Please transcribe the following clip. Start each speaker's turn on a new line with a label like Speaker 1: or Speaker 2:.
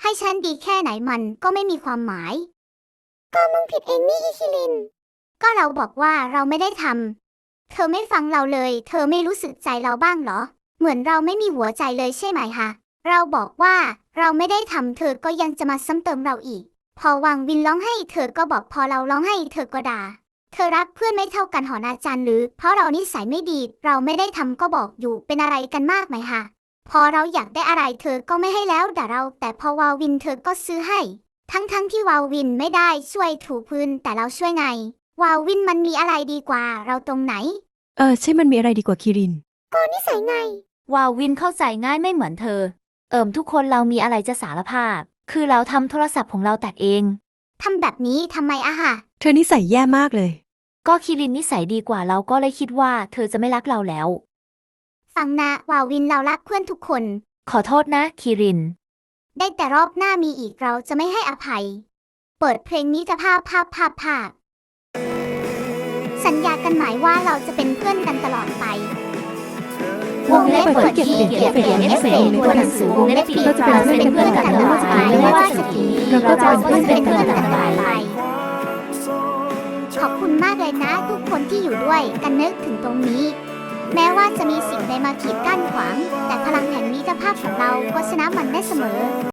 Speaker 1: ให้ฉันดีแค่ไหนมันก็ไม่มีความหมายก็มึงผิดเองนี่อิคิลินก็เราบอกว่าเราไม่ได้ทำเธอไม่ฟังเราเลยเธอไม่รู้สึกใจเราบ้างเหรอเหมือนเราไม่มีหัวใจเลยใช่ไหมคะเราบอกว่าเราไม่ได้ทำเธอก็ยังจะมาซ้ำเติมเราอีกพอวางวินร้องให้เธอก็บอกพอเราร้องให้เธอก็ด่าเธอรักเพื่อนไม่เท่ากันหอนาจารย์หรือเพราะเรานิสัยไม่ดีเราไม่ได้ทำก็บอกอยู่เป็นอะไรกันมากไหมคะพอเราอยากได้อะไรเธอก็ไม่ให้แล้วด่าเราแต่พอวาวินเธอก็ซื้อให้ทั้งที่วาวินไม่ได้ช่วยถูพื้นแต่เราช่วยไงวาวินมันมีอะไรดีกว่าเราตรงไหน
Speaker 2: ใช่มันมีอะไรดีกว่าคิริน
Speaker 1: ก็นิสัยไง
Speaker 3: วาวินเข้าใจง่ายไม่เหมือนเธอทุกคนเรามีอะไรจะสารภาพคือเราทำโทรศัพท์ของเราแตกเอง
Speaker 1: ทำแบบนี้ทำไมอะค่ะ
Speaker 2: เธอนิสัยแย่มากเลย
Speaker 3: ก็คิรินนิสัยดีกว่าเราก็เลยคิดว่าเธอจะไม่รักเราแล้ว
Speaker 1: ฟังนะวาวินเรารักเพื่อนทุกคน
Speaker 3: ขอโทษนะคิริน
Speaker 1: ได้แต่รอบหน้ามีอีกเราจะไม่ให้อภัยเปิดเพลงนี้จะภาพสัญญากันหมายว่าเราจะเป็นเพื่อนกันตลอดไปวงเล็บเปิดเก็บเอฟเฟกต์ตัวหนังสือวงเล็บปิดเราจะเป็นเพื่อนกันตลอดไปไม่ว่าจะกี่ปีเราก็จะเป็นเพื่อนกันตลอดไปขอบคุณมากเลยนะทุกคนที่อยู่ด้วยกันนึกถึงตรงนี้แม้ว่าจะมีสิ่งใดมาขีดกั้นขวางแต่พลังแห่งมิตรภาพของเราก็ชนะมันได้เสมอ